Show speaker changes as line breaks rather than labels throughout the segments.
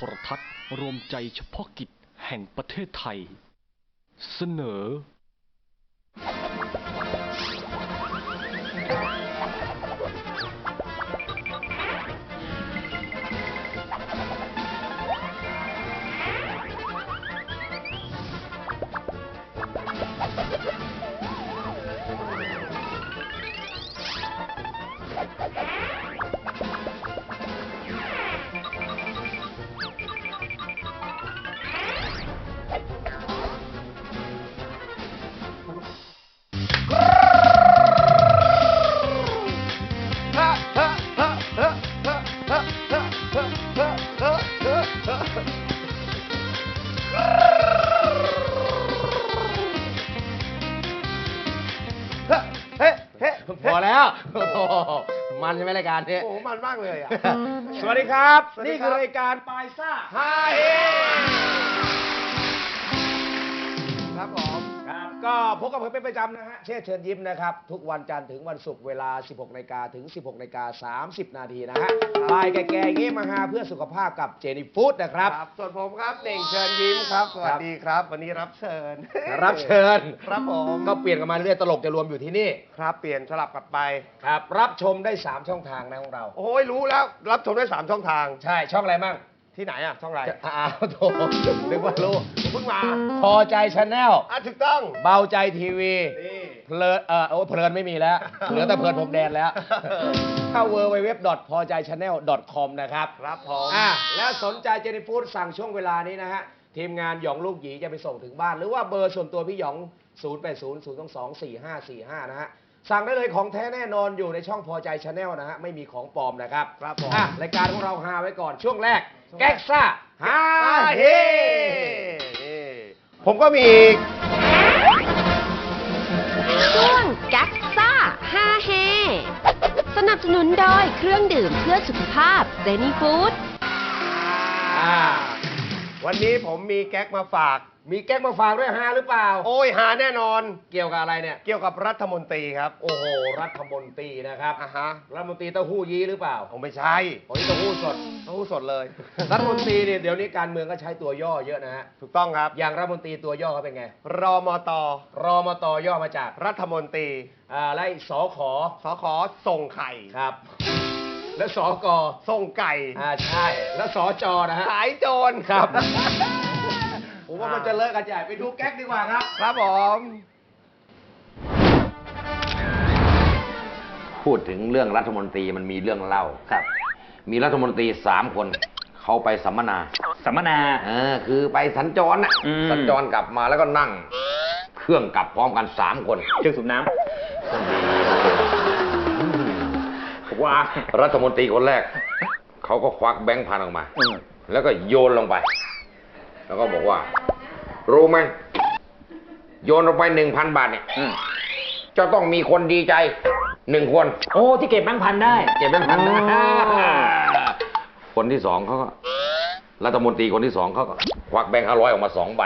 รทัศน์รวมใจเฉพาะกิจแห่งประเทศไทยเสนอ
พอแล้วมันใช่ไหมรายการนี้
โอ้มันมากเลยอ่ะ
สวัสดีครับนี่คือรายการปลายซ่า
ฮาเฮครับผม
ครับก็พบกับผมเป็นประจำนะฮะเชิญยิ้มนะครับทุกวันจันทร์ถึงวันศุกร์เวลา 16 นาฬิกาถึง 16 นาฬิกา 30 นาทีนะฮะบ่ายแก่ๆเงี้มาหาเพื่อสุขภาพกับเจนี่ฟู้ดนะครับ
ส่วนผมครับเน่งเชิญยิ้มครับสวัสดีครับวันนี้รับเชิญครับผม
ก็เปลี่ยนกันมาเรื่อยตลกจะรวมอยู่ที่นี่
ครับเปลี่ยนสลับกันไป
ครับรับชมได้3ช่องทางนะของเรา
โอ้ยรู้แล้วรับชมได้3ช่องทาง
ใช่ช่องอะไรมั่ง
ที่ไหนอ่ะช่องอะไร
โถนึกว่ารู้
เพิ่งมา
พอใจชาแนล
ถูกต้อง
เบาใจทีวีเพลินเพลินไม่มีแล้วเหลือแต่เพลินผมแดนแล้วเข้า www.pojaychannel.com นะครับ
ครับผม
แล้วสนใจเจนี่ฟู้ดสั่งช่วงเวลานี้นะฮะทีมงานหยองลูกหยีจะไปส่งถึงบ้านหรือว่าเบอร์ส่วนตัวพี่หยอง 0800224545 นะฮะสั่งได้เลยของแท้แน่นอนอยู่ในช่องพอใจชาแนลนะฮะไม่มีของปลอมนะครับ
ครับผม
รายการของเราฮาไว้ก่อนช่วงแรกแก๊กซ่าฮาเฮ
ผมก็มี
ช่วงแก๊กซ่าฮาเฮสนับสนุนโดยเครื่องดื่มเพื่อสุขภาพเจนี่ฟู้ด
วันนี้ผมมีแก๊กมาฝาก
มีแก๊กมาฝากด้วยฮาหรือเปล่า
โอ้ยฮาแน่นอน
เกี่ยวกับอะไรเนี่ย
เกี่ยวกับรัฐมนตรีครับ
โอ้โหรัฐมนตรีนะครับรัฐมนตรีเต้าหู้ยี้หรือเปล่า
ไม่ใช่
เต้าหู้สด
เลย
รัฐมนตรีเนี่ยเดี๋ยวนี้การเมืองก็ใช้ตัวย่อเยอะนะฮะ
ถูกต้องครับ
อย่างรัฐมนตรีตัวย่อเขาเป็นไง
รมต
ย่อมาจาก
รัฐมนตรี
และสข
ส่งไข่
ครับแล้วสก
ส่งไก่
ใช่แล้วสจนะฮะ
ขายโจร
ครับผมว่ามันจะเลิกกันใหญ่ไปดูแก๊กดีกว่าครับ
ครับผม
พูดถึงเรื่องรัฐมนตรีมันมีเรื่องเล่าครับมีรัฐมนตรี3 คนเขาไปสัมมนาคือไปสัญจรสัญจรกลับมาแล้วก็นั่งเครื่องกลับพร้อมกัน3 คน
เครื่องสูบน้ำ
ว่ารัฐมนตรีคนแรกเขาก็ควักแบงค์พันออกมาแล้วก็โยนลงไปแล้วก็บอกว่ารู้ไหมโยนลงไป 1,000 บาทเนี่ยจะต้องมีคนดีใจ1 คน
โอ้ที่เก็บแบงค์พันได้
เก็บแบงค์พันได้คนที่2เขาก็รัฐมนตรีคนที่2เขาก็ควักแบงค์500ออกมา2 ใบ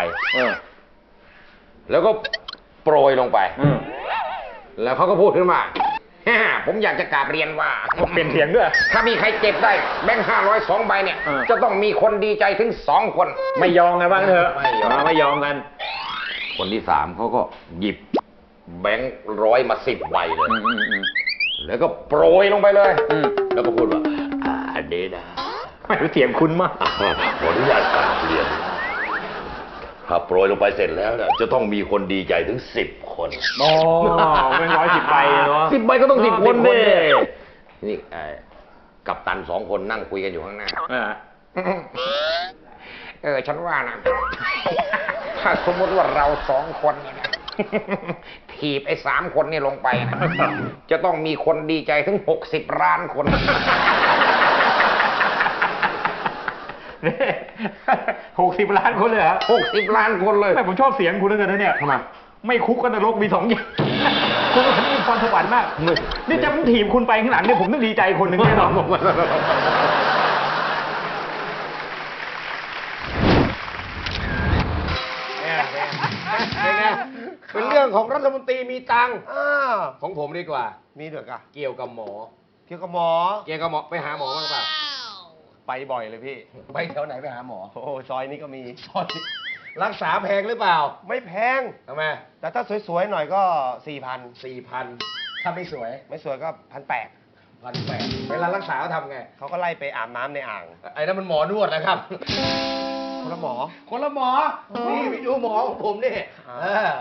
แล้วก็โปรยลงไปแล้วเขาก็พูดขึ้นมาผมอยากจะกราบเรียนว่า
เปลี่ยนเสียงด้วย
ถ้ามีใครเก็บได้แบงค์500 2 ใบเนี่ยจะต้องมีคนดีใจถึง2 คน
ไม่ยอมกันบ้างเถอะไม่ยอมกัน
คนที่3เขาก็หยิบแบงค์100มา10 ใบเลยแล้วก็โปรยลงไปเลยแล้วก็พูดว่าเดนะ
ไม่รู้เสียงคุณมาก
ขออนุญาตกราบเรียนถ้าโปรยลงไปเสร็จแล้วเนี่ยจะต้องมีคนดีใจถึง10 คน
เป็น110 ใบเนาะ
10 ใบก็ต้อง10 คนดินี่กัปตัน2 คนนั่งคุยกันอยู่ข้างหน้าฉันว่านะถ้าสมมติว่าเรา2 คนเนี่ยถีบไอ้3 คนนี่ลงไปนะจะต้องมีคนดีใจถึง60 ล้านคน
60 ล้านคนเลยเหรอ
60 ล้านคนเลย
แต่ผมชอบเสียงคุณเหลือเกินเนี่ย
ทำไม
ไม่คุกกันนรกมี2 อย่างคุณมีพรสวรรค์มากนี่จะผมถีบคุณไปข้างหลังเนี่ยผมต้องดีใจคนหนึ่งแน่นอนเป็นเรื่องของรัฐมนตรีมีตังค์ของผมดีกว่า
มีเถอะกะ
เกี่ยวกับหมอ
ไปหาหมอบ้างเปล่าไปบ่อยเลยพี่
ไปแถวไหนไปหาหมอ
โอ้โหซอยนี้ก็มี
รักษาแพงหรือเปล่า
ไม่แพง
ทำไม
แต่ถ้าสวยๆหน่อยก็4,000
4,000ถ้าไม่สวย
ไม่สวยก็1,800
1,800เวลารักษาเขาทำไง
เขาก็ไล่ไปอาบน้ำในอ่าง
ไอ้นั่นมันหมอนวดนะครับ
คนละหมอ
คนละหมอ นี่ไปดูหมอของผมนี่
อ่า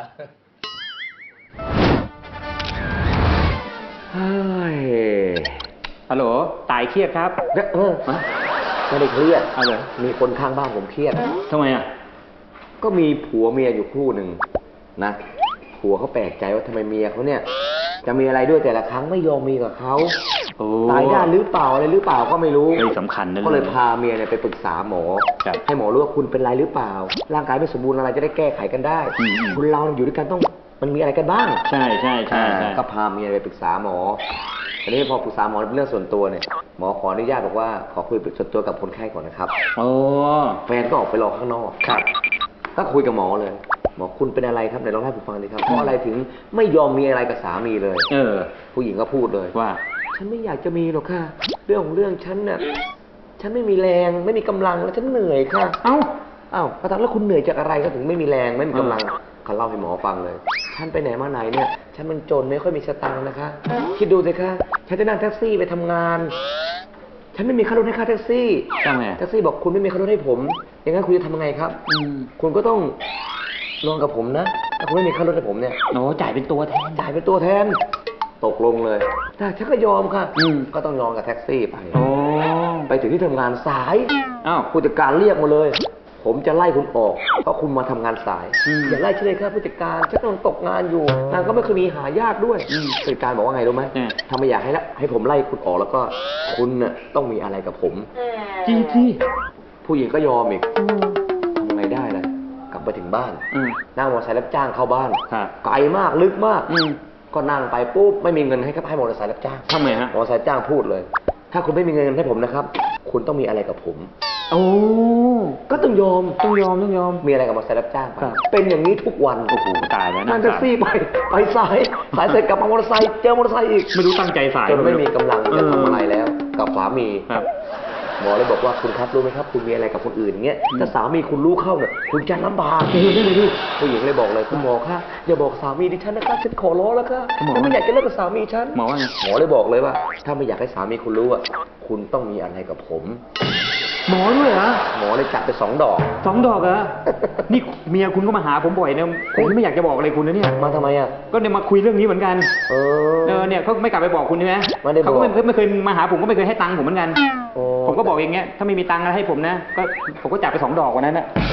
ฮัลโหลตายเครียดครับ
ไม่ได้เครียด
เอาเลย
มีคนข้างบ้านผมเครียด
ทำไมอ่ะ
ก็มีผัวเมียอยู่คู่หนึ่งนะ ผัวเขาแปลกใจว่าทำไมเมียเขาเนี่ย จะมีอะไรด้วยแต่ละครั้งไม่ยอมมีกับเขา
โอ้
ตายด้านหรือเปล่าอะไรหรือเปล่าก็ไม่รู้
เฮ้ยสำคัญนะ
ก็เลยพาเมียเนี่ยไปปรึกษาหมอ
ครับ
ให้หมอรู้ว่าคุณเป็นไรหรือเปล่า ร่างกายไม่สมบูรณ์อะไรจะได้แก้ไขกันได้
อืม
คนเราอยู่ด้วยกันต้องมันมีอะไรกันบ้าง
ใช่ใช่ใช่ใช่
ก็พาเมียไปปรึกษาหมอทีนี้พอปรึกษาหมอเป็นเรื่องส่วนตัวเนี่ย หมอขออนุญาตบอกว่าขอคุยส่วนตัวกับคนไข้ก่อนนะครับ
โอ้
แฟนก็ออกไปรอข้างนอก
ครับ
ก็คุยกับหมอเลยหมอคุณเป็นอะไรครับไหนลองเล่าให้ผมฟังดิครับ เพราะอะไรถึงไม่ยอมมีอะไรกับสามีเลย
เออ
ผู้หญิงก็พูดเลย
ว่า
ฉันไม่อยากจะมีหรอกค่ะ เรื่องของเรื่องฉันน่ะ ฉันไม่มีแรงไม่มีกำลังแล้วฉันเหนื่อยค่ะ
เอ้า
อ้าวประธานแล้วคุณเหนื่อยจากอะไรก็ถึงไม่มีแรงไม่มีกำลังเขาเล่าให้หมอฟังเลย ฉันไปไหนมาไหนเนี่ย ฉันมันจนไม่ค่อยมีสตังค์นะคะ คิดดูสิคะฉันจะนั่งแท็กซี่ไปทำงาน ฉันไม่มีค่ารถให้ค่าแท็กซี่
ทำไม
แท็กซี่บอกคุณไม่มีค่ารถให้ผม อย่างนั้นคุณจะทำยังไงครับ คุณก็ต้องนอนกับผมนะ ถ้าคุณไม่มีค่ารถให้ผมเนี่ย
โอ้จ่ายเป็นตัวแทน
จ่ายเป็นตัวแทน ตกลงเลยแต่ฉันก็ยอมค่ะ
อืม
ก็ต้องนอนกับแท็กซี่ไป
โอ้
ไปถึงที่ทำงานสาย
อ้าว
ผู้จัดการเรียกมาเลย ผมจะไล่คุณออก เพราะคุณมาทำงานสาย
อืม
อย่าไล่ฉันเลยครับผู้จัดการฉันกำลังตกงานอยู่งานก็ไม่เคยมีหายากด้วยผู้จัดการบอกว่าไงรู้ไหม ถ้าไม่อยากให้ผมไล่คุณออกแล้วก็คุณน่ะต้องมีอะไรกับผม
จริงที่
ผู้หญิงก็ยอมอีกทำไงได้ล่ะกลับไปถึงบ้าน
อืม
นั่งมอเตอร์ไซค์รับจ้างเข้าบ้าน
ครับ
ไกลมากลึกมาก
อืม
ก็นั่งไปปุ๊บไม่มีเงินให้มอเตอร์ไซค์รับจ้าง
ทำไงฮะ
มอเตอร์ไซค์จ้างพูดเลย ถ้าคุณไม่มีเงินให้ผมนะครับ คุณต้องมีอะไรกับผม
โอ้
ก็ต้องยอม
ต้องยอม
มีอะไรกับมอเตอร์ไซค์รับจ้างไป
ครับ
เป็นอย่างนี้ทุกวัน
โอ้โหตายแล้ว
นั่งแท็กซี่ไปสายเสร็จกลับมามอเตอร์ไซค์เจอมอเตอร์ไซค์อีก
ไม่รู้ตั้งใจสาย
จนไม่มีกำลังจะทำอะไรแล้ว กับสามี
ครับ
หมอเลยบอกว่าคุณครับรู้ไหมครับ คุณมีอะไรกับคนอื่นอย่างเงี้ยถ้าสามีคุณรู้เข้าเนี่ยคุณจะลำบาก
ได้เลยดิ
ผู้หญิงเลยบอกเลยคุณหมอคะอย่าบอกสามีดิฉันนะคะฉันขอร้องแล้วค่ะ
หมอ
ฉันไม่อยากจะเลิกกับสามีฉัน
หมอว่าไง
หมอเลยบอกเลยว่า ถ้าไม่อยากให้สามีคุณรู้อ่ะคุณต้องมีอะไรกับผม
หมอด้วยเหรอ
หมอเลยจับไป2 ดอก
2 ดอกเหรอ นี่เมียคุณก็มาหาผมบ่อยเนี่ยผมไม่อยากจะบอกอะไรคุณนะเนี่ย
มาทำไมอ่ะ
ก็เนี่ยมาคุยเรื่องนี้เหมือนกัน
เออ
เนี่ยเขาไม่กลับไปบอกคุณใช่ไหม
ไม่ได้บอก
เขาก็ไม่เคยมาหาผมก็ไม่เคยให้ตังค์ผมเหมือนกัน
โอ้
ผมก็บอกอย่างเงี้ย ถ้าไม่มีตังค์อะไรให้ผมนะ ก็ผมก็จับไป2 ดอกวันนั้นน่ะ
โอ้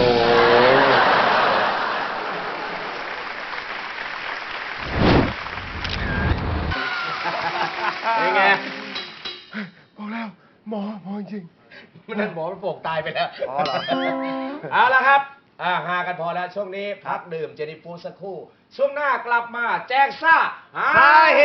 เป็นไง
บอกแล้วหมอจริง
มันนั่นหมอมันโปกตายไปแล้ว
อ๋อเหรอ
เอาละครับหากันพอแล้วช่วงนี้พักดื่มเจนิฟูดสักครู่ ช่วงหน้ากลับมาแจ้งซ่าฮา
ฮาเฮ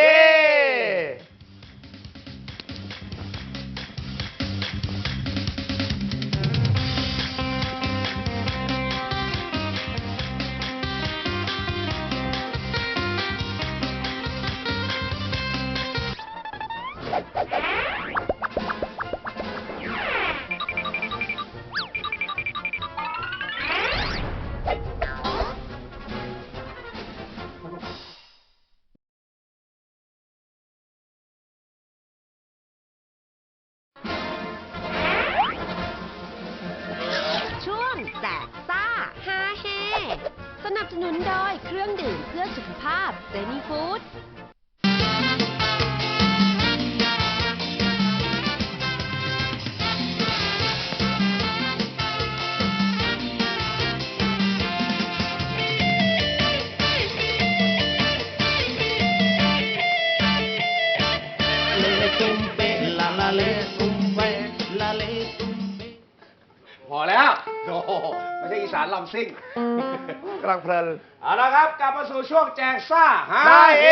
ช่วงแจกซ่าฮาเฮสนับสนุนโดยเครื่องดื่มเพื่อสุขภาพเจนี่ฟู้ด
พอแล้วโอ้โหไม่ใช่อีสานลำซิ่ง
กำลังเพลิน
เอาละครับ กลับมาสู่ช่วงแจกซ่าฮา
ฮา
เฮ
เฮ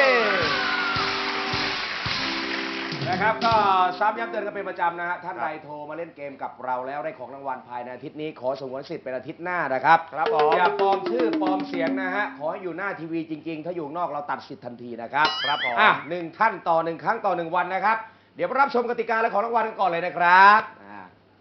นะครับ ก็ซ้ำย้ำเตือนกันเป็นประจำนะฮะท่านใดโทรมาเล่นเกมกับเราแล้วได้ของรางวัลภายในอาทิตย์นี้ขอสงวนสิทธิ์เป็นอาทิตย์หน้านะครับ
ครับผม
อย่าปลอมชื่อปลอมเสียงนะฮะขอให้อยู่หน้าทีวีจริง ๆ ถ้าอยู่นอกเราตัดสิทธิ์ทันทีนะครับ
ครับผม
1 ท่านต่อ 1 ครั้งต่อ 1 วันนะครับ เดี๋ยวมารับชมกติกาและของรางวัลกันก่อนเลยนะครับ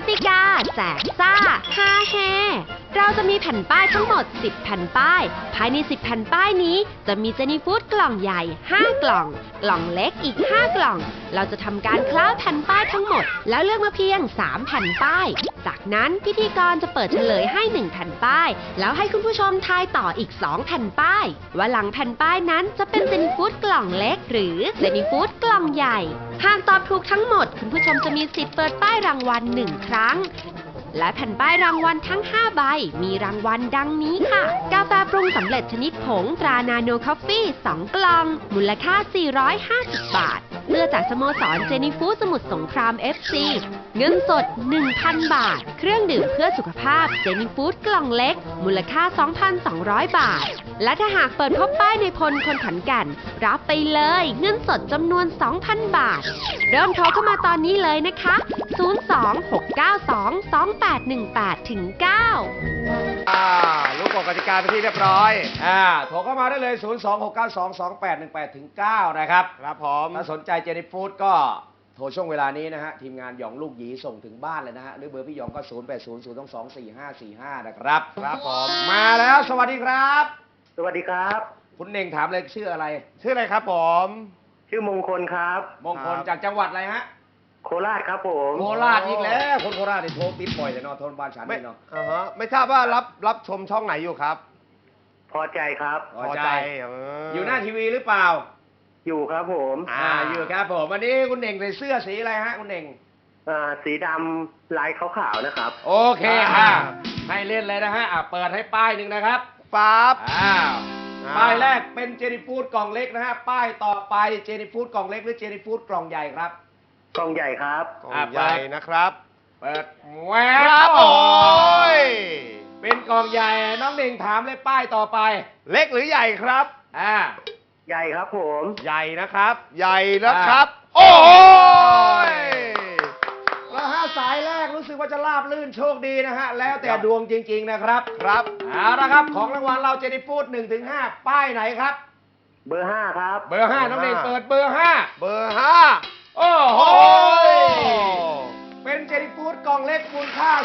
ติกาแจกซ่าฮาเฮเราจะมีแผ่นป้ายทั้งหมด 10 แผ่นป้าย ภายใน 10 แผ่นป้ายนี้จะมีเจนี่ฟู้ดกล่องใหญ่ 5 กล่อง กล่องเล็กอีก 5 กล่อง เราจะทำการคล้าแผ่นป้ายทั้งหมด แล้วเลือกมาเพียง 3 แผ่นป้าย จากนั้นพิธีกรจะเปิดเฉลยให้ 1 แผ่นป้าย แล้วให้คุณผู้ชมทายต่ออีก 2 แผ่นป้าย ว่าหลังแผ่นป้ายนั้นจะเป็นเจนี่ฟู้ดกล่องเล็กหรือเจนี่ฟู้ดกล่องใหญ่ หากตอบถูกทั้งหมดคุณผู้ชมจะมีสิทธิ์เปิดป้ายรางวัล1 ครั้ง และแผ่นป้ายรางวัลทั้ง 5 ใบ มีรางวัลดังนี้ค่ะ กาแฟปรุงสำเร็จชนิดผงตรานาโนคอฟฟี่ 2 กล่อง มูลค่า 450 บาท เสื้อจากสโมสรเจนี่ฟู้ดสมุทรสงคราม FC เงินสด 1,000 บาท เครื่องดื่มเพื่อสุขภาพเจนี่ฟู้ดกล่องเล็ก มูลค่า 2,200 บาท และถ้าหากเปิดพบป้ายในพลคนขอนแก่นรับไปเลยเงินสดจำนวน 2,000 บาท เริ่มโทรเข้ามาตอนนี้เลยนะคะ 026922818ถึง 9
รู้กฎกติกาเป็นที่เรียบร้อย
โทรเข้ามาได้เลย 026922818ถึง 9 นะครับ
ครับผม
ถ้าสนใจเจนี่ฟู้ดก็โทรช่วงเวลานี้นะฮะ ทีมงานหยองลูกหยีส่งถึงบ้านเลยนะฮะ หรือเบอร์พี่หยองก็ 0800224545 นะครับ
ครับผม
มาแล้วสวัสดีครับ
สวัสดีครับ
คุณเน่งถามเลยชื่ออะไร
ชื่ออะไรครับผม
ชื่อมงคลครับ
มงคลจากจังหวัดอะไรฮะ
โคราชครับผม
โคราชอีกแล้ว คนโคราชนี่โทรติดบ่อยเลยเนาะโทรบ้านฉัน
ไม่
นี่เนาะ
ไม่ทราบว่ารับชมช่องไหนอยู่ครับ
พอใจครับ
พอใจ อยู่หน้าทีวีหรือเปล่า
อยู่ครับผม
อยู่ครับผมวันนี้คุณเน่งใส่เสื้อสีอะไรฮะคุณเน่ง
สีดำลายขาวๆนะครับ
โอเคให้เล่นเลยนะฮะเปิดให้ป้ายหนึ่งนะครับ
ปั๊บ
ป้ายแรกเป็นเจนี่ฟู้ดกล่องเล็กนะฮะป้ายต่อไปเจนี่ฟู้ดกล่องเล็กหรือเจนี่ฟู้ดกล่องใหญ่ครับ
กล่องใหญ่ครับ
กล่องใหญ่นะครับ
เปิดแหว
ครับโอ้ย
เป็นกล่องใหญ่น้องเน่งถามเลยป้ายต่อไป
เล็กหรือใหญ่ครับ
ใหญ่ครับผม
ใหญ่นะครับ ใหญ่นะครับ โอ้ย
แล้วห้าสายแรกรู้สึกว่าจะราบลื่นโชคดีนะฮะแล้วแต่ดวงจริงๆนะครับ
ครับ
เอาละครับของรางวัลเราเจนี่ฟู้ด1-5ป้ายไหนครับ
เบอร์ 5 ครับ
เบอร์ 5น้องเน่งเปิดเบอร์ 5
เบอร์ 5
โอ้โห
โอ้ย
เป็นเจนี่ฟู้ดกล่องเล็กมูลค่า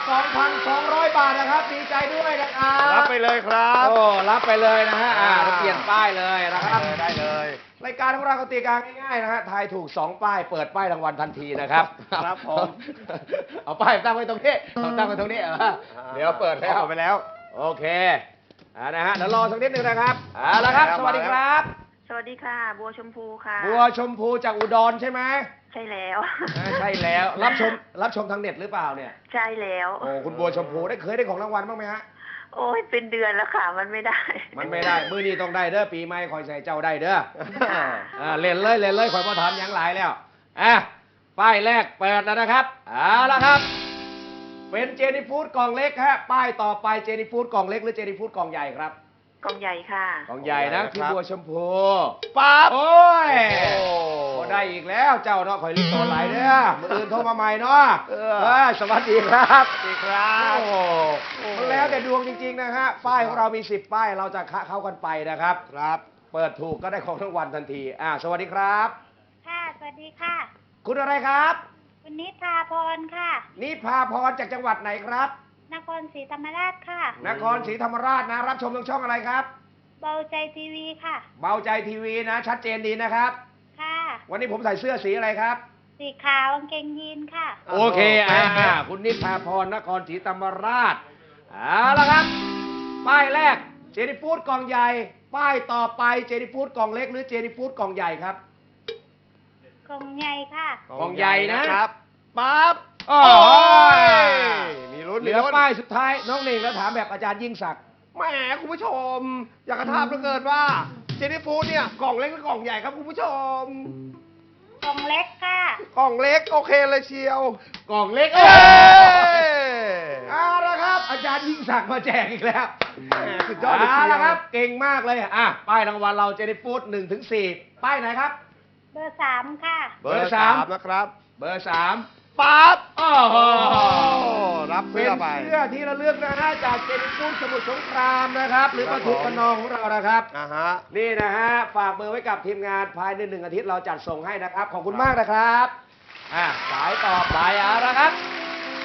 2,200 บาทนะครับดีใจด้วยนะครับ
รับไปเลยครับ
โอ้รับไปเลยนะฮะเราเปลี่ยนป้ายเลยนะครับ
ได้เลย
รายการของเรากติกาง่ายๆนะฮะทายถูก2ป้ายเปิดป้ายรางวัลทันทีนะครับ
ครับผม
เอาป้ายตั้งไว้ตรงนี้เอาตั้งไว้ตรงนี้เดี๋ยวเปิดแล้ว
ไปแล้ว
โอเคนะฮะเดี๋ยวรอสักนิดนึงนะครับเอาละครับ สวัสดีครับ
สวัสดีค่ะ บัวชมพูค่ะ
บัวชมพูจากอุดรใช่ไหม
ใช่แล้ว
ใช่แล้วรับชมทางเน็ตหรือเปล่าเนี่ย
ใช่แล้ว
โอ้คุณบัวชมพูเคยได้ของรางวัลบ้างไหมฮะ
โอ้ยเป็นเดือนแล้วค่ะ มันไม่ได้
มันไม่ได้มื้อนี้ต้องได้เด้อปีใหม่คอยใส่เจ้าได้เด้อเล่นเลยคอยมาถามหยังหลายแล้วป้ายแรกเปิดแล้วนะครับเอาละครับ เป็นเจนี่ฟู้ดกล่องเล็กฮะป้ายต่อไปเจนี่ฟู้ดกล่องเล็กหรือเจนี่ฟู้ดกล่องใหญ่ครับ
กล่องใหญ่ค่ะ
กล่องใหญ่นะพี่บัวชมพู
ปั๊บ
โอ้ย
โอ้
ก็ได้อีกแล้วเจ้าเนาะคอยรีบตัวไหลเด้อมืออื่นโทรมาใหม่เนาะสวัสดีครับ
สวัสดีครับ
โอ้มันแล้วแต่ดวงจริงๆนะฮะป้ายของเรามี10ป้ายเราจะเข้ากันไปนะครับ
ครับ
เปิดถูกก็ได้ของรางวัลทันทีสวัสดีครับ
ค่ะ สวัสดีค่ะ
คุณอะไรครับ
คุณนิพาพรค่ะ
นิพาพรจากจังหวัดไหนครับ
นครศรีธรรมราชค่ะ
นครศรีธรรมราชนะรับชมทางช่องอะไรครับ
เบาใจทีวีค่ะ
เบาใจทีวีนะ ชัดเจนดีนะครับ
ค่ะ
วันนี้ผมใส่เสื้อสีอะไรครับ
สีขาวกางเกงยีนค่ะ
โอเคคุณนิพาพรนครศรีธรรมราชเอาละครับ ป้ายแรกเจนี่ฟู้ดกล่องใหญ่ ป้ายต่อไปเจนี่ฟู้ดกล่องเล็กหรือเจนี่ฟู้ดกล่องใหญ่ครับ
กล่องใหญ่ค่ะ
กล่องใหญ่นะครับ
ปั๊บ
โอ้ย
มีลุ้น
เหลือป้ายสุดท้ายน้องเน่งแล้วถามแบบอาจารย์ยิ่งศักดิ์
แหมคุณผู้ชม อยากกระทาบเหลือเกินว่าเจนี่ฟู้ดเนี่ยกล่องเล็กหรือกล่องใหญ่ครับคุณผู้ชม
กล่องเล็กค่ะ
กล่องเล็กโอเคเลยเชียว
กล่องเล็ก
เอ้ย
เอาละครับ อาจารย์ยิ่งศักดิ์มาแจกอีกแล้ว
แหมสุดยอดเลยเชียว
ละครับ เก่งมากเลยป้ายรางวัลเราเจนี่ฟู้ด1-4ป้ายไหนครับ
เบอร์ 3 ค่ะ
เบอร์ 3นะครับ
เบอร์ 3
ปั๊บ
โอ้โห
รับ
เป็
เสื้
น
อไป
เสื้อที่ระลึกนะฮะจากเจนี่ฟู้ดสมุทรสงครามนะครับ หรือปทุมคะนองของเรานะครับ นี่นะฮะฝากเบอร์ไว้กับทีมงานภายใน1 อาทิตย์เราจัดส่งให้นะครับ ขอบคุณมากนะครับสายต่อไปเอาละครับ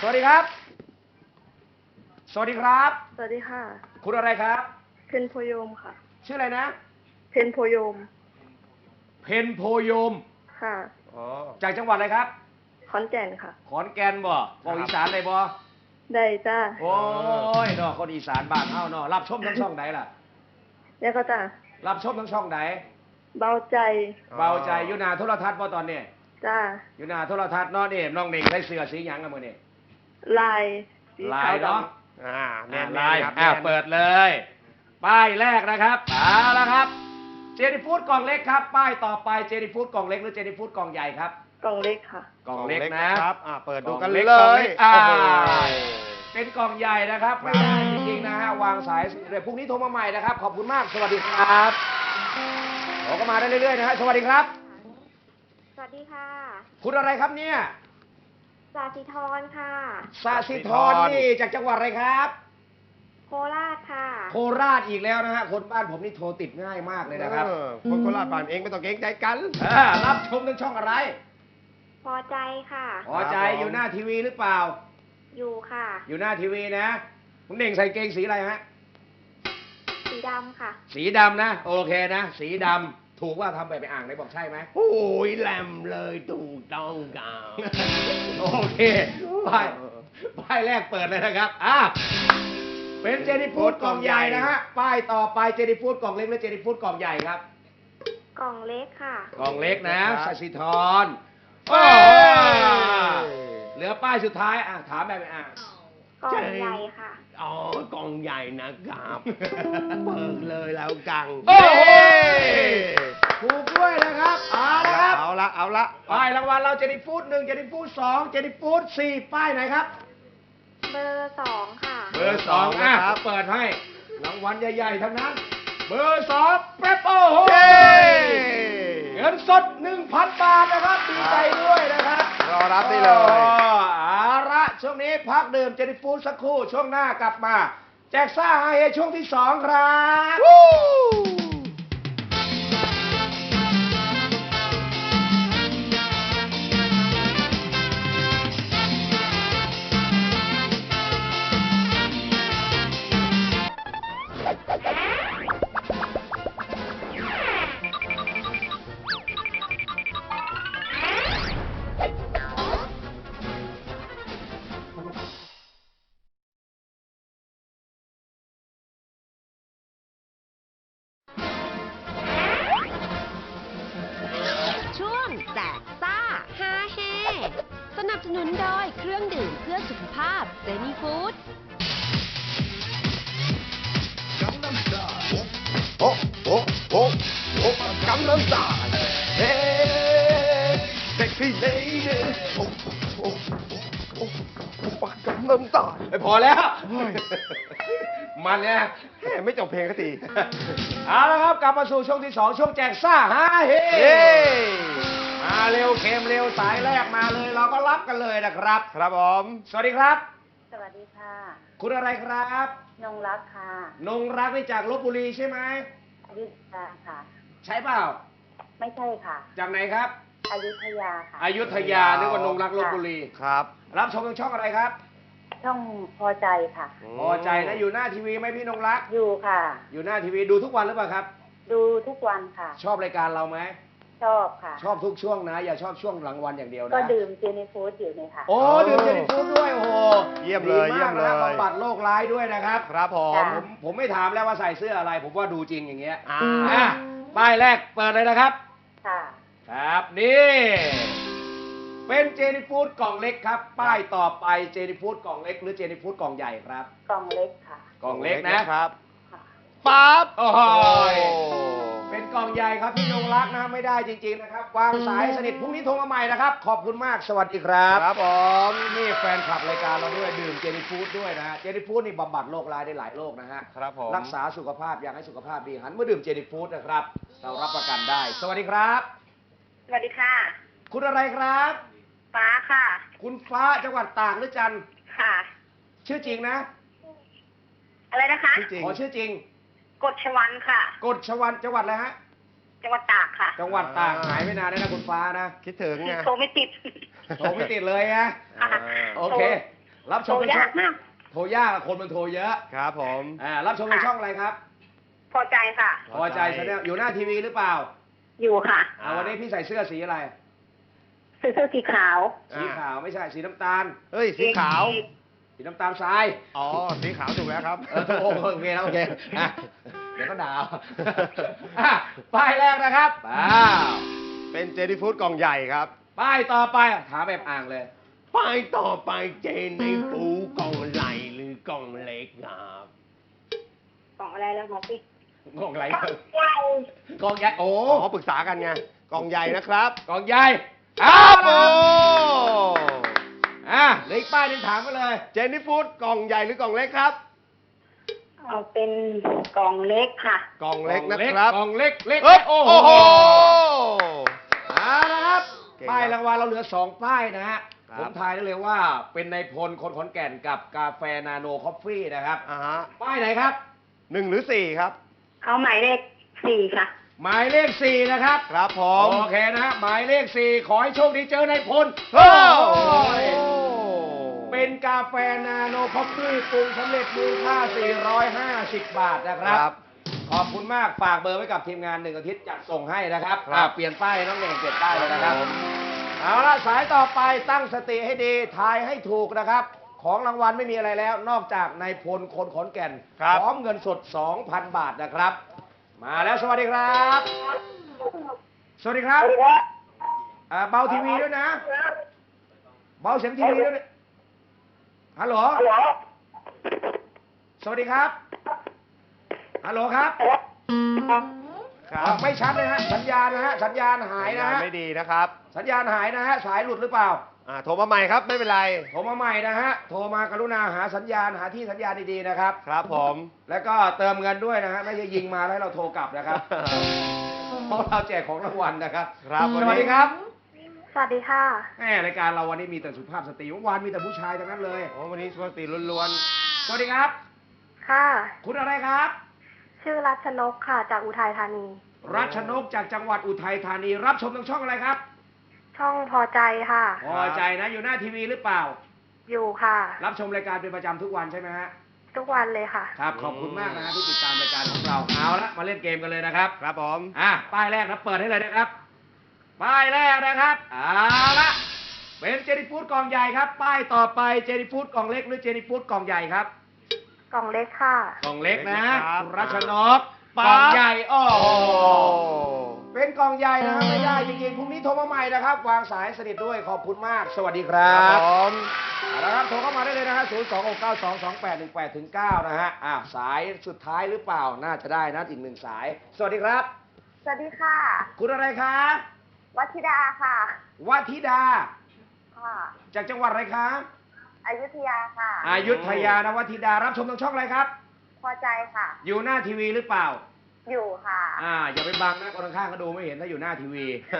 สวัสดีครับ สวัสดีครับ
สวัสดีค่ะ
คุณอะไรครับ
เพนโพยมค่ะ
ชื่ออะไรนะ
เพนโพยม
เพนโพยม
ค่ะ
อ๋อ
จากจังหวัดอะไรครับ
ขอนแก่นค่ะ
ขอนแก่นบ่บอกอีสานเลยบ่
ได้จ้า
โอ้ยเนาะคนอีสานบ้านเฮาเนาะรับชมทั้งช่องไหนล่ะ
แล้วก็จ้า
รับชมทั้งช่องไหน
เบาใจ
เบาใจอยู่หน้าโทรทัศน์บ่ตอนนี้
จ้า
อยู่หน้าโทรทัศน์เนาะนี่น้องเน่งใส่เสื้อสีหยังกันมื้อนี้
ลายสี
ลา
ขาวย ด
เนาะ
แน่น
ลาย
ครับ
เปิดเลย ป้ายแรกนะครับเอาละครับ เจนี่ฟูดกล่องเล็กครับ ป้ายต่อไปเจนี่ฟูดกล่องเล็กหรือเจนี่ฟูดกล่องใหญ่ครับ
ำกล่องเล็กค่ะ
กล่องเล็กนะครับ
เปิดดูกัน
ก
เล
ล่อง
ย
กเป็นกล่องใหญ่นะครับไม่ได้จริงๆนะฮะวางสายเดี๋ยวพรุ่งนี้โทรมาใหม่นะครับ ขอบคุณมากสวัสดีครับโทรก็มาได้เรื่อยๆนะฮะสวัสดีครับ
สวัสดีค่ะ
คุณอะไรครับเนี่ย
สาธิธรค่ะ
สาสิธรนี่จากจังหวัดอะไรครับ
โคราชค่ะ
โคราชอีกแล้วนะฮะคนบ้านผมนี่โทรติดง่ายมากเลยนะครับ
คนโคราชบ้านเองไม่ต้องเกรงใจกัน
รับชมทางช่องอะไร
พอใจค่ะ
พอใจอยู่หน้าทีวีหรือเปล่า
อยู่ค่ะ
อยู่หน้าทีวีนะคุณเน่งใส่เกงสีอะไรฮะ
สีดำค่ะ
สีดำนะ โอเคนะ สีดำถูกว่าทำไปอ่างไหนบอกใช่ไหม
โอ้ยแหลมเลยถูกต้องกัน
โอเคป้ายแรกเปิดเลยนะครับเป็นเจนี่ฟูดกล่องใหญ่นะฮะป้ายต่อไปเจนี่ฟูดกล่องเล็กหรือเจนี่ฟูดกล่องใหญ่ครับ
กล่องเล็กค่ะ
กล่องเล็กนะสสิธรโอ้เหลือป้ายสุดท้ายถามแบบ
กล่องใหญ่ค่ะ
อ๋อกองใหญ่นะครับเปิดเลยแล้วกัง
โอ้โหถูกด้วยนะครับนะครับ
เอาละ
ป้ายรางวัลเราเจนี่ฟูด1เจนี่ฟูด2เจนี่ฟูด4ป้ายไหนครับ
เบอร์ 2 ค่ะ
เบอร์2นะครับเปิดให้รางวัลใหญ่ๆทั้งนั้น เบอร์2แป๊บโอ้โหเงินสด 1,000 บาทนะครับดีใจด้วยนะครับ
รอรับได้เลย
เอาละช่วงนี้พักดื่มเจนี่ฟูดสักครู่ช่วงหน้ากลับมา แจกซ่าฮาเฮช่วงที่ 2 ครับ
ช่วงแจกซ่าฮาเฮสนับสนุนโดยเครื่องดื่มเพื่อสุขภาพเจนี่ฟู้ด
โอ้กำลังตายเฮ้เซ็กซี่เลดี้โอ้กำลังตาย
ไม่พอแล้ว มันเนี่ย
ไม่จบเพลงสักที
เอาละครับกลับมาสู่ช่วงที่ 2 ช่วงแจกซ่าฮาเฮ
เย้
มาเร็วเค็มเร็วสายแรกมาเลยเราก็รับกันเลยนะครับ
ครับผม
สวัสดีครับ
สวัสดีค่ะ
คุณอะไรครับ
นงรักค่ะ
นงรักนี่จากลบบุรีใช่ไหม
อยุธยาค่ะ
ใช่เปล่า
ไม่ใช่ค่ะ
จากไหนครับ
อยุธยาค่ะ
อยุธยานึกว่านงรักลบบุรี
ครับ
รับชมทางช่องอะไรครับ
ช่องพอใจค่ะ
พอใจนะอยู่หน้าทีวีไหมพี่นงรัก
อยู่ค่ะ
อยู่หน้าทีวีดูทุกวันหรือเปล่าครับ
ดูทุกวันค่ะ
ชอบรายการเราไหม
ชอบค่ะ
ชอบทุกช่วงนะ อย่าชอบช่วงหลังวันอย่างเดียวนะ
ก็ดื่มเจนี่ฟู้ดอยู่เนี่ยค่ะ
โอ้ดื่มเจนี่ฟูดด้วยโอ้โห
เยี่ยมเลย
ดี
เยี่ย
มาก
มเล
นะ
ย
บำบัดโรคร้ายด้วยนะครับ
ครับผม
จ้ะ
ผมไม่ถามแล้วว่าใส่เสื้ออะไร ผมว่าดูจริงอย่างเงี้ย
อ่า
ป้ายแรกเปิดเลยนะครับ
ค่ะ
ครับนี่เป็นเจนี่ฟูดกล่องเล็กครับ ป้ายต่อไปเจนี่ฟูดกล่องเล็กหรือเจนี่ฟูดกล่องใหญ่ครับ
กล่องเล็กค่ะ
กล่องเล็กนะครับ
ค่ะ
ปั๊บโอ้โหเป็นกล่องใหญ่ครับพี่นงรักนะไม่ได้จริง ๆนะครับวางสายสนิทพรุ่งนี้โทรมาใหม่นะครับ ขอบคุณมากสวัสดีครับ
ครับผม
นี่แฟนคลับรายการเราด้วยดื่มเจนี่ฟูดด้วยนะฮะเจนี่ฟูดนี่บำบัดโรคร้ายได้หลายโรคนะฮะ
ครับผม
รักษาสุขภาพอยากให้สุขภาพดีหันมาดื่มเจนี่ฟูดนะครับ เรารับประกันได้ สวัสดีครับ
สวัสดีค่ะ
คุณอะไรครับ
ฟ้าค่ะ
คุณฟ้าจังหวัดตากหรือจันทร์
ค่ะ
ชื่อจริงนะ
อะไรนะคะ
จริง
ขอชื่อจริง
กฎชวันค่ะ
กฎชวันจังหวัดอะไรฮะ
จังหวัดตากค่ะ
จังหวัดตากหายไม่นานแล้วนะคุณฟ้านะ
คิดถึงไง
โทรไม่ติด
โทรไม่ติดเลยนะ
ค่ะ
โอเครับชมเป็น
โทร
ช่อย
าง กมาก
โทรยากคนมันโทรเยอะ
ครับผม
รับชมเป็นช่องอะไรครับ
พอใจค่ะ
พอใจแสดงอยู่หน้าทีวีหรือเปล่า
อยู่ค่ะ
วันนี้พี่ใส่เสื้อสีอะไร
เสื้อสีขาว
สีขาวไม่ใช่สีน้ำตาล
เฮ้ย สีขาว
สีน้ำตาลทราย
อ๋อ สีขาวถูกแล้วครับ
โอเคแล้วโอเคอ่ะเดี๋ยวก็ด่าอ่ะป้ายแรกนะครับ
เป็นเจนี่ฟู้ดกล่องใหญ่ครับ
ป้ายต่อไปถามแบบอ่างเลย
ป้ายต่อไปเจนี่ฟู้ดกล่องใหญ่หรือกล่องเล็กครับ
กล่องอะไรแล้วบอกพี่
กล่องอะไร
กล่องใหญ่
กล่องใหญ่โอ้
อ๋อปรึกษากันไง กล่องใหญ่นะครับ
กล่องใหญ่
ครับ
โอ้
โอ้
เหลืออีกป้ายหนึงถามมาเลย
เจนี่ฟู้ดกล่องใหญ่หรือกล่องเล็กครับ
เอาเป็นกล่องเล็กค่ะ
กล่องเล็กนะครับ
กล่องเล็กเล็ก
เอ้ย
โอ้
โอ้
โห
โห
เอาละครับ
เก่งครับ
ป้ายรางวัลเราเหลือ2ป้ายนะฮะ
ครับ
ผมทายได้เลยว่าเป็นนายพลคนขอนแก่นกับกาแฟนาโนคอฟฟี่นะครับ
ฮะ
ป้ายไหนครับ
1 หรือ 4 ครับ
เอาหมายเลข4ค่ะ
หมายเลข4นะครับ
ครับผม
โอเคนะฮะหมายเลข4ขอให้โชคดีเจอนายพล
โอ้
เป็นกาแฟนาโนคอฟฟี่ปรุงสำเร็จมูลค่า450 บาทนะครับ
ครับ
ขอบคุณมากฝากเบอร์ไว้กับทีมงาน1 อาทิตย์จัดส่งให้นะครับ
ครับ
เปลี่ยนป้ายน้องเน่งเปลี่ยนป้ายเลยนะครับ
ครับผม
เอาละสายต่อไปตั้งสติให้ดีทายให้ถูกนะครับ ของรางวัลไม่มีอะไรแล้ว นอกจากนายพลคนขอนแก่น
ครับ
พร้อมเงินสด 2,000 บาทนะครับ มาแล้วสวัสดีครับ สวัสดีครับเบาทีวีด้วยนะ เบาเสียงทีวีด้วยฮัลโหลสวัสดีครับฮัลโหลครับ
ครับ
ไม่ชัดเลยฮะสัญญาณนะฮะสัญญาณหายนะฮะ
ไม่ดีนะครับ
สัญญาณหายนะฮะสายหลุดหรือเปล่า
โทรมาใหม่ครับ ไม่เป็นไร
โทรมาใหม่นะฮะโทรมากรุณาหาสัญญาณหาที่สัญญาณดีๆนะครับ
ครับผม
แล้วก็เติมเงินด้วยนะฮะไม่ใช่ยิงมาแล้วให้เราโทรกลับนะครับ เพราะเราแจกของรางวัลนะครับ
ครับ
สวัสดีครับ
สวัสดีค่ะ
แหมรายการเราวันนี้มีแต่สุภาพสตรีเมื่อวานมีแต่ผู้ชายทั้งนั้นเลย
โอ้วันนี้สวัสดีล้วน
สวัสดีครับ
ค่ะ
คุณอะไรครับ
ชื่อรัชนกค่ะ จากอุทัยธานี
รัชนกจากจังหวัดอุทัยธานี รับชมทางช่องอะไรครับ
ช่องพอใจค่ะ
พอใจนะอยู่หน้าทีวีหรือเปล่า
อยู่ค่ะ
รับชมรายการเป็นประจำทุกวันใช่ไหมฮะ
ทุกวันเลยค่ะ
ครับขอบคุณมากนะฮะที่ติดตามรายการของเราเอาละมาเล่นเกมกันเลยนะครับ
ๆ ครับผม
ป้ายแรกนะเปิดให้เลยนะครับ ป้ายแรกนะครับเอาละเป็นเจนี่ฟูดกล่องใหญ่ครับ ป้ายต่อไปเจนี่ฟูดกล่องเล็กหรือเจนี่ฟูดกล่องใหญ่ครับ
กล่องเล็กค่ะ
กล่องเล็กนะ
เล็กนะครับ
คุณรัชนกกล่องใหญ่โอ้โหเป็นกล่องใหญ่นะครับไม่ได้จริงๆพรุ่งนี้โทรมาใหม่นะครับ วางสายสนิทด้วยขอบคุณมาก สวัสดีครั
ครับ บผม
เอาละครับโทรเข้ามาได้เลยนะฮะ026922818-9นะฮะสายสุดท้ายหรือเปล่าน่าจะได้นะอีกหนึ่งสาย สวัสดีครับ
สวัสดีค่ะ
คุณอะไรคะ
วัชิดาค่ะ
วัธิดา
ค่ะ
จากจังหวัดอะไรคะ
อยุธยาค่ะ
อยุธยานะวัธิดารับชมทางช่องอะไรครับ
พอใจค่ะ
อยู่หน้าทีวีหรือเปล่า
อยู่ค่ะ
อย่าไปบังนะคนข้างๆก็ดูไม่เห็นถ้าอยู่หน้าทีวี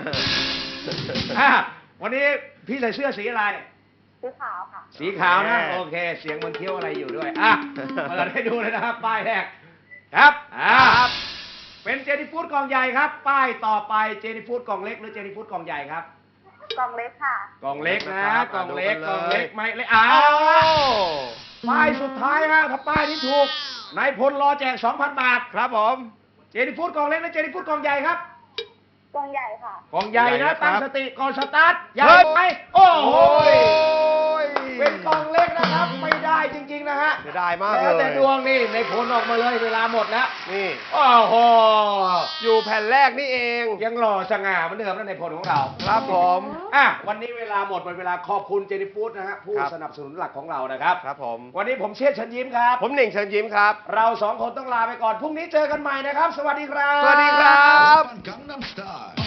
วันนี้พี่ใส่เสื้อสีอะไร
สีขาวค่ะ
สีขาวนะโอเค เสียงเหมันเคี้ยวอะไรอยู่ด้วยเปิดให้ดูเลยนะครับป้ายแรกครับเป็นเจนี่ฟูดกล่องใหญ่ครับ ป้ายต่อไปเจนี่ฟูดกล่องเล็กหรือเจนี่ฟูดกล่องใหญ่ครับ
กล่องเล็กค่ะ
กล่องเล็กนะ
ครับ
กล่องเล็ก
ดู
กล่อง
กันเลย
เล็กไม่เล็กป้ายสุดท้ายฮะถ้าป้ายนี้ถูกนายพลรอแจก 2,000 บาท
ครับผม
เจนี่ฟูดกล่องเล็กและเจนี่ฟูดกล่องใหญ่ครับ
กล่องใหญ่ค่ะ
กล่องใหญ่
ใหญ่
นะ
นะครับ
ตั้งสติก่อนสตาร์ทใหญ่
เฮ้ย
ไหมโอ้โห
ย
เป็นกล่องเล็กนะครับไม่ได้จริงๆนะฮะ
เสียดายมากเล
แล้วแต่
ย
ดวงนี่ในผลออกมาเลยเวลาหมดแล้ว
นี่
โอ้โห
อยู่แผ่นแรกนี่เอง
ยังหล่อสง่าเหมือนเดิมนะในผลของเรา
ครับผม
วันนี้เวลาหมดเวลาขอบคุณเจนี่ฟูดนะฮะผู้
ครับ
สนับสนุนหลักของเรานะครับ
ครับผม
วันนี้ผมเชษฐ์เชิญยิ้มครับ
ผมหนึ่งเชิญยิ้มครับ
เราสองคนต้องลาไปก่อนพรุ่งนี้เจอกันใหม่นะครับ สวัสดีครับ
สวัสดีครับ
Gangnam Style